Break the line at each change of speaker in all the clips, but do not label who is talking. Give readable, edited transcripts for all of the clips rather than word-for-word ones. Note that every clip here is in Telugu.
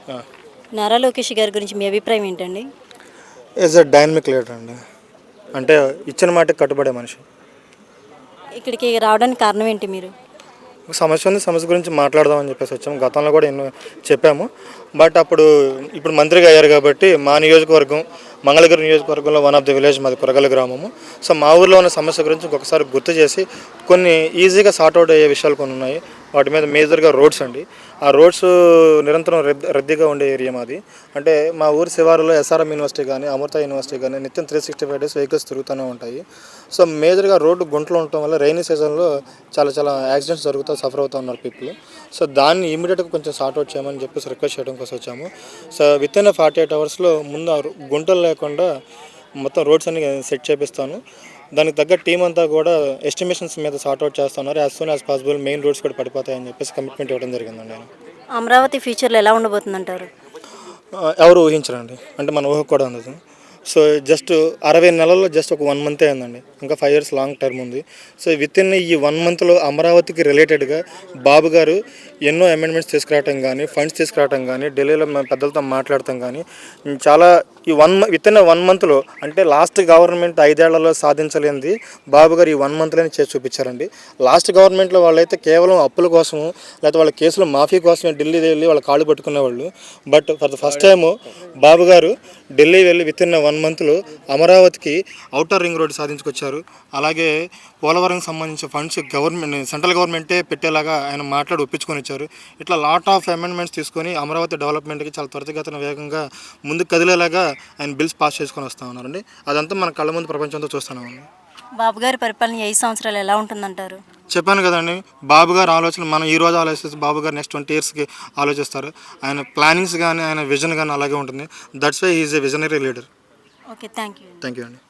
ఆ.
నారా లోకేష్ గారి గురించి మీ అభిప్రాయం ఏంటండి?
ఈజ్ అ డైనమిక్ లీడర్ అండి. అంటే ఇచ్చిన మాటకి కట్టుబడే మనిషి.
ఇక్కడికి రావడానికి కారణం ఏంటి మీరు?
సమస్య ఉంది, సమస్య గురించి మాట్లాడదామని చెప్పేసి వచ్చాము. గతంలో కూడా ఎన్నో చెప్పాము. బట్ ఇప్పుడు మంత్రిగా అయ్యారు కాబట్టి మా నియోజకవర్గం మంగళగిరి నియోజకవర్గంలో వన్ ఆఫ్ ది విలేజ్ మాది కురగల గ్రామము. సో మా ఊర్లో ఉన్న సమస్య గురించి ఇంకొకసారి గుర్తు చేసి కొన్ని ఈజీగా సార్ట్అవుట్ అయ్యే విషయాలు కొన్ని ఉన్నాయి. వాటి మీద మేజర్గా రోడ్స్ అండి. ఆ రోడ్స్ నిరంతరం రద్దీగా ఉండే ఏరియా మాది. అంటే మా ఊరి శివారులో ఎస్ఆర్ఎం యూనివర్సిటీ కానీ అమృత యూనివర్సిటీ కానీ నిత్యం 365 డేస్ వెహికల్స్ తిరుగుతూనే ఉంటాయి. సో మేజర్గా రోడ్డు గుంటలు ఉండటం వల్ల రైనీ సీజన్లో చాలా చాలా యాక్సిడెంట్స్ జరుగుతూ సఫర్ అవుతూ ఉన్నారు పీపుల్. సో దాన్ని ఇమీడియట్గా కొంచెం సార్ట్అవుట్ చేయమని చెప్పేసి రిక్వెస్ట్ చేయడం కోసం వచ్చాము. సో విత్ ఇన్ 48 అవర్స్లో ముందు గుంటలు లేకుండా మొత్తం రోడ్స్ అన్ని సెట్ చేపిస్తాను. దానికి తగ్గ టీం అంతా కూడా ఎస్టిమేషన్స్ మీద సార్ట్అవుట్ చేస్తున్నారు. As soon as possible main roads కూడా పడిపోతాయని చెప్పేసి కమిట్మెంట్ ఇవ్వడం జరిగిందండి.
అమరావతి ఫ్యూచర్లో ఎలా ఉండబోతుందంటారు?
ఎవరు ఊహించరండి. అంటే మన ఊహకు కూడా ఉండదు. సో జస్ట్ 60 నెలల్లో జస్ట్ ఒక 1 మంతే అయిందండి. ఇంకా 5 years లాంగ్ టర్మ్ ఉంది. సో విత్ ఇన్ ఈ 1 monthలో అమరావతికి రిలేటెడ్గా బాబు గారు ఎన్నో అమెండ్మెంట్స్ తీసుకురావటం కానీ, ఫండ్స్ తీసుకురావటం కానీ, ఢిల్లీలో మన పెద్దలతో మాట్లాడటం కానీ చాలా విత్ ఇన్ 1 monthలో అంటే లాస్ట్ గవర్నమెంట్ 5 ఏళ్లలో సాధించలేనిది బాబు గారు ఈ 1 monthలోనే చేసి చూపించారండి. లాస్ట్ గవర్నమెంట్లో వాళ్ళైతే కేవలం అప్పుల కోసము లేకపోతే వాళ్ళ కేసులు మాఫీ కోసమే ఢిల్లీ వెళ్ళి వాళ్ళ కాళ్ళు పట్టుకునేవాళ్ళు. But for the first time Babu గారు ఢిల్లీ వెళ్ళి విత్ ఇన్ 1 monthలో అమరావతికి ఔటర్ రింగ్ రోడ్డు సాధించుకొచ్చారు. అలాగే పోలవరంకి సంబంధించిన ఫండ్స్ సెంట్రల్ గవర్నమెంటే పెట్టేలాగా ఆయన మాట్లాడి ఒప్పించుకొని వచ్చారు. ఇట్లా లాట్ ఆఫ్ అమెండ్మెంట్స్ తీసుకొని అమరావతి డెవలప్మెంట్కి చాలా త్వరితగతిన వేగంగా ముందుకు కదిలేలాగా ఆయన బిల్స్ పాస్ చేసుకొని వస్తూ ఉన్నారండి. అదంతా మన కళ్ళ ముందు ప్రపంచంతో చూస్తున్నామండి.
బాబు గారి పరిపాలన 5 సంవత్సరాలు ఎలా ఉంటుందంటారు?
చెప్పాను కదండి, బాబు గారు ఆలోచన మనం ఈ రోజు ఆలోచిస్తే బాబు గారు నెక్స్ట్ 20 yearsకి ఆలోచిస్తారు. ఆయన ప్లానింగ్స్ కానీ ఆయన విజన్ కానీ అలాగే ఉంటుంది. That's why is a visionary leader.
Okay, thank you
అండి.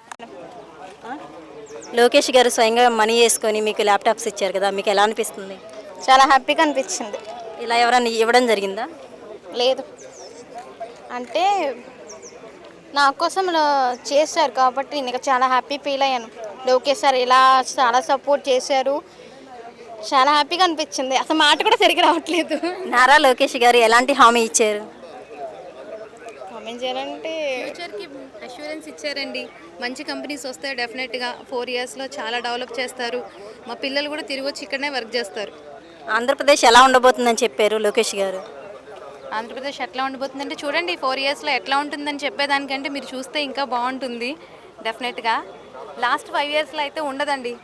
లోకేష్ గారు స్వయంగా మనీ వేసుకొని మీకు ల్యాప్టాప్స్ ఇచ్చారు కదా, మీకు ఎలా అనిపిస్తుంది?
చాలా హ్యాపీగా అనిపించింది.
ఇలా ఎవరైనా ఇవ్వడం జరిగిందా?
లేదు, అంటే నా కోసం చేశారు కాబట్టి నేను చాలా హ్యాపీ ఫీల్ అయ్యాను. లోకేష్ సార్ ఇలా చాలా సపోర్ట్ చేశారు, చాలా హ్యాపీగా అనిపించింది. అసలు మాట కూడా సరిగ్గా రావట్లేదు.
నారా లోకేష్ గారు ఎలాంటి హామీ ఇచ్చారు?
కామెంట్ చేయాలంటే
ఫ్యూచర్కి అష్యూరెన్స్ ఇచ్చారండి. మంచి కంపెనీస్ వస్తాయి డెఫినెట్గా. 4 yearsలో చాలా డెవలప్ చేస్తారు. మా పిల్లలు కూడా తిరిగి వచ్చి ఇక్కడనే వర్క్ చేస్తారు.
ఆంధ్రప్రదేశ్ ఎలా ఉండబోతుందని చెప్పారు లోకేష్ గారు?
ఆంధ్రప్రదేశ్ ఎట్లా ఉండిపోతుందంటే చూడండి, 4 yearsలో ఎట్లా ఉంటుందని చెప్పేదానికంటే మీరు చూస్తే ఇంకా బాగుంటుంది డెఫినెట్గా. లాస్ట్ 5 yearsలో అయితే ఉండదండి.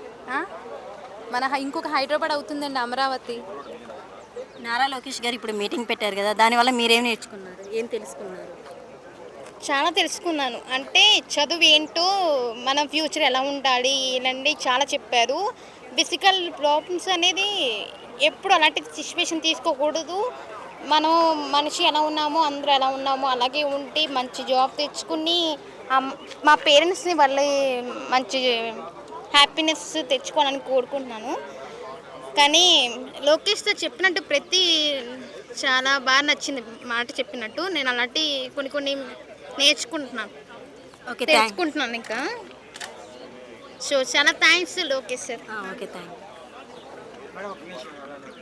ఇంకొక హైదరాబాద్ అవుతుందండి అమరావతి.
నారా లోకేష్ గారు ఇప్పుడు మీటింగ్ పెట్టారు కదా, దానివల్ల మీరేం నేర్చుకున్నారు, ఏం తెలుసుకున్నారు?
చాలా తెలుసుకున్నాను. అంటే చదువు ఏంటో, మన ఫ్యూచర్ ఎలా ఉండాలి ఇలాంటి చాలా చెప్పారు. ఫిజికల్ ప్రాబ్లమ్స్ అనేది ఎప్పుడు అలాంటి సిచ్యువేషన్ తీసుకోకూడదు. మనం మనిషి ఎలా ఉన్నామో అందరూ ఎలా ఉన్నామో అలాగే ఉండి మంచి జాబ్ తెచ్చుకుని మా పేరెంట్స్ని వాళ్ళ మంచి హ్యాపీనెస్ తెచ్చుకోవాలని కోరుకుంటున్నాను. కానీ లోకేష్ సార్ చెప్పినట్టు చాలా బాగా నచ్చింది మాట చెప్పినట్టు. నేను అలాంటి కొన్ని నేర్చుకుంటున్నాను, తెలుసుకుంటున్నాను ఇంకా. సో చాలా thanks Lokesh sir.
Okay, thank you.